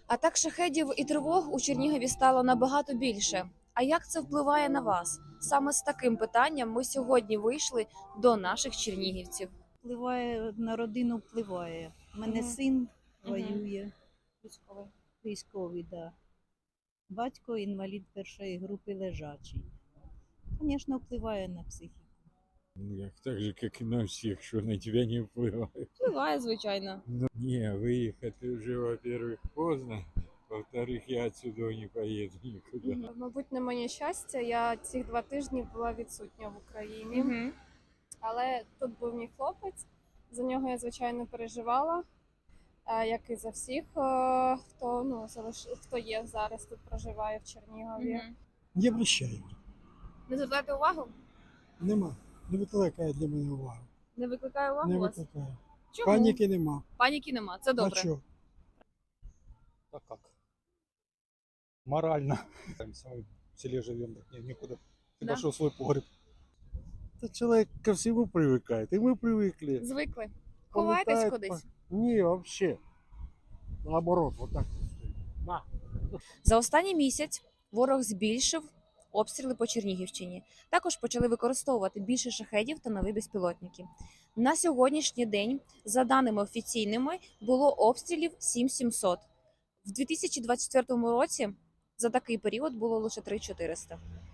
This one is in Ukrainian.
Атак шахедів і тривог у Чернігові стало набагато більше. А як це впливає на вас? Саме з таким питанням ми сьогодні вийшли до наших чернігівців. Впливає на родину, впливає. У мене Мгм. син Мгм. воює, військовий, да. Батько інвалід першої групи лежачий. Звісно, впливає на психіку. Ну, як так же, як і на всіх, що на тебе не впливає. Впливає, звичайно. Ну, не, выехать уже, во-первых, поздно, во-вторых, я отсюда не поеду никуда. Мабуть, на моє щастя, я ці 2 тижні була відсутня в Україні. Угу. Але тут був мій хлопець. За нього я, звичайно, переживала, як і за всіх, хто є зараз тут, проживає в Чернігові. Не обращаю. Не звертайте увагу? Нема. Не викликає для мене увагу. Не викликає увагу Не у вас? викликає. Чому? Паніки нема. Паніки нема, це А добре. що? А как? Морально. В селе живем, так никуда. Ты Да. пошел в свой погреб. Да человек ко всему привыкает, и мы привыкли. Звикли. Ховаєтесь Полетает кудись? Не, вообще. Наоборот, вот так. На. За останній місяць ворог збільшив обстріли по Чернігівщині. Також почали використовувати більше шахедів та нові безпілотники. На сьогоднішній день, за даними офіційними, було обстрілів 7700. В 2024 році за такий період було лише 3400.